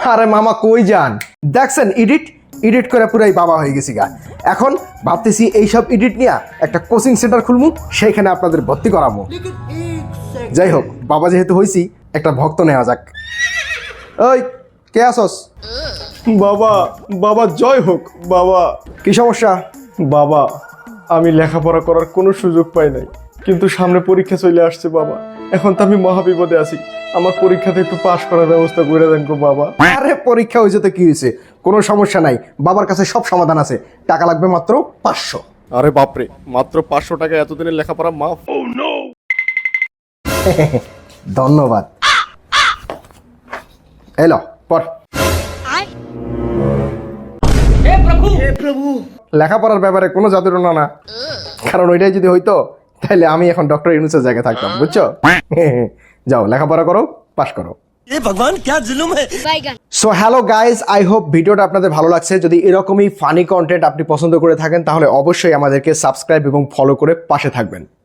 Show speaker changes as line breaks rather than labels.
আরে মামা কই যান? দেখছেন এডিট করে পুরাই বাবা হয়ে গেছি গা। এখন ভাবতেছি এইসব এডিট নিয়ে একটা কোচিং সেন্টার খুলবো, সেইখানে আপনাদের ভর্তি করাবো। যাই হোক, বাবা যেহেতু হইছি, একটা ভক্ত নেওয়া যাক। ওই কে আসস?
বাবা বাবা জয় হোক বাবা।
কি সমস্যা?
বাবা আমি লেখাপড়া করার কোনো সুযোগ পাই নাই, কিন্তু সামনে পরীক্ষা চলে আসছে বাবা। এখন তো আমি মহাবিপদে আছি, আমার পরীক্ষাতে একটু পাশ করার ব্যবস্থা করে দেন গো বাবা।
আরে পরীক্ষা হয়েছে তো কি হয়েছে, কোনো সমস্যা নাই, বাবার কাছে সব সমাধান আছে। টাকা লাগবে মাত্র 500।
আরে বাপরে, মাত্র 500 টাকা এতদিনের লেখাপড়া মাফ?
ধন্যবাদ। এলো পর। লেখাপড়ার ব্যাপারে কোনো জাদুটনা না, কারণ ওইটাই যদি হইতো তাহলে আমি এখন ডক্টর ইউনুসের জায়গায় থাকতাম, বুঝছো? যাও লেখাপড়া করো, পাশ করো। So hello guys, I hope ভিডিওটা আপনাদের ভালো লাগছে। যদি এরকমই ফানি কন্টেন্ট আপনি পছন্দ করে থাকেন তাহলে অবশ্যই আমাদেরকে সাবস্ক্রাইব এবং ফলো করে পাশে থাকবেন।